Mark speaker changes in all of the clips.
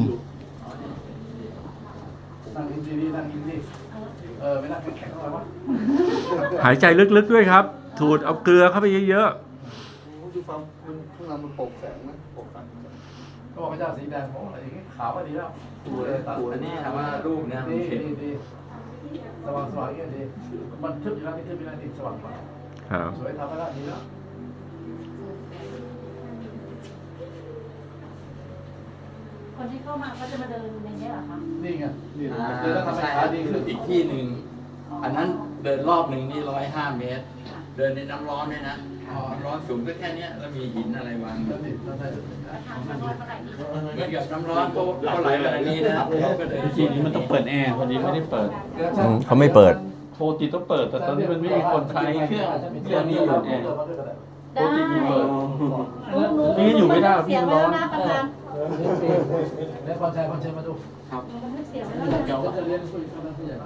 Speaker 1: นั่งกินดีๆนั่งกินดีไม่นั่งแข็งๆอะไรวะ
Speaker 2: หายใจลึกๆด้วยครับสูดเอาเกลือเข้าไปเยอะ
Speaker 3: ดูฟังข้างในมันโปร่งแสงนะโปร่งแสง
Speaker 1: ก็บอกพระเจ้าสีแดงผมอะไรอย่างงี้ขาวก็ดีแล้วตัวเลยตัด
Speaker 4: อันนี้ถามว่ารูปเนี่ยมัน
Speaker 1: ดี
Speaker 4: เข็ม
Speaker 1: ดีสว่างอย่างเงี้ยดีมันทึบอยู่แล้วนี่ทึบอยู่แล้วนี่สว่างกว่า
Speaker 2: ๆครับ
Speaker 1: สวยทำมาแล้วดีแล้ว
Speaker 5: คนที่เข้ามาเขาจะมาเดินในนี้เหรอคะ
Speaker 1: นี่ไงนี่เดี๋ยวต้องทำให้
Speaker 4: ใช่ค
Speaker 1: ขา
Speaker 4: รับ
Speaker 1: ดีขึ้น
Speaker 4: อีกที่หนึ่งอันนั้นเดินรอบหนึ่งนี่105 เมตร เดินในน้ำร้อนด้วยนะน้ำร้อนสูงก็แค่เนี้ยแล้วมีหินอะไรวาง
Speaker 1: แล้วนี่เราได้
Speaker 5: ประธานชมรมเมื่อไหร่ที่
Speaker 4: เหมือนกับน้ำร้อนเขาไหลแบบนี้นะเขาก็เดิน
Speaker 6: ทีนี้มันต้องเปิดแอร์พอดีไม่ได้เปิด
Speaker 2: เขาไม่เปิด
Speaker 6: โปรตีต้องเปิดแต่ตอนนี้มันไม่มีคนใช้เครื่องนี้อยู่แอร์
Speaker 5: ได้
Speaker 6: นี่อยู่ไม่ได้พี่
Speaker 5: เสียง
Speaker 6: ร้
Speaker 5: แล้
Speaker 6: อ
Speaker 5: วน นะประธาน
Speaker 1: แล้วบอลชัยมาดู
Speaker 5: เสียงแล้วนะ
Speaker 1: เดี๋ยวจะเรียนผู้ใหญ่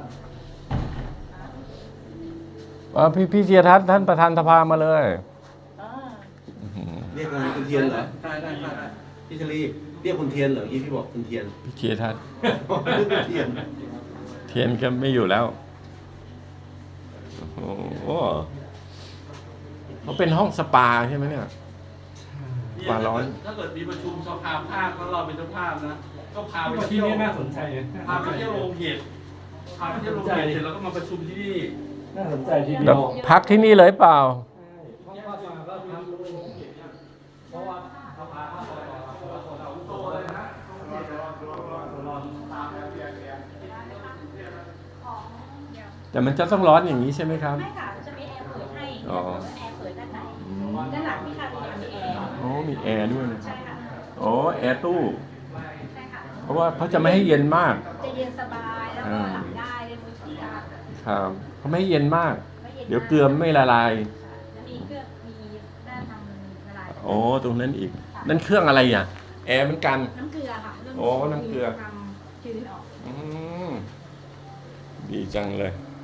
Speaker 1: มา
Speaker 2: พี่เจียทัศน์ท่านประธานสภามาเลย
Speaker 7: เรียกอะไรคุณเทียนเหรอได้พี่ชลีเรียกคุณเทียนเหรอที่พี่บอกคุณเทียน
Speaker 2: พี่เจียทัศน์
Speaker 7: เทียน
Speaker 2: เทียนก็ไม่อยู่แล้วโอ้โหเขาเป็นห้องสปาใช่ไหมเนี่ย ปลาร้อน
Speaker 6: ถ้าเกิดมีประชุมสภาภาคแล้วเราเป็นเจ้าภาพนะก็พาไป
Speaker 8: ที่
Speaker 6: เที่ยว
Speaker 8: นี่น่าสนใจ
Speaker 6: พาไปเที่ยวโรงเห็ดพาไปเที่ยวโรงเห็ดเสร็จแล้วก็มาประชุมที่นี่
Speaker 8: น่าสนใจทีเดี
Speaker 2: แล้
Speaker 8: ยว ว
Speaker 2: พักที่นี่เลยเปล่า แต่มันจะต้องร้อนอย่างนี้ใช่ไหมครับ
Speaker 5: ไม่ค่ะจะมีแอร์เปิดให้
Speaker 2: อ๋อ
Speaker 5: แอร์เปิดด้านในด้านหลังพี่ค่ะมีแอร์
Speaker 2: อ๋อมีแอร์ด้วยนะ
Speaker 5: ใช่ค่ะ
Speaker 2: อ๋อแอร์ตู้
Speaker 5: ใช่ค่ะ
Speaker 2: เพราะว่าเขาจะไม่ให้เย็นมาก
Speaker 5: จะเย็นสบายแล้วก็หลับได้เล่นมือถือได้
Speaker 2: ครับเขาไม่ให้เย็นมาก
Speaker 5: ไม่เย็น
Speaker 2: เดี๋ยวเกลือไม่ละลาย
Speaker 5: แล้วมีเครื่องมีด้านทำละลาย
Speaker 2: โอ้ตรงนั้นอีก นั่นเครื่องอะไรอ่ะ แอร์เหมือนกัน
Speaker 5: น้ำเกลือค่ะเรื่อง
Speaker 2: โอ้น้ำเกลือ
Speaker 5: ทำชื้นออก
Speaker 2: อืมดีจังเลย
Speaker 5: ใ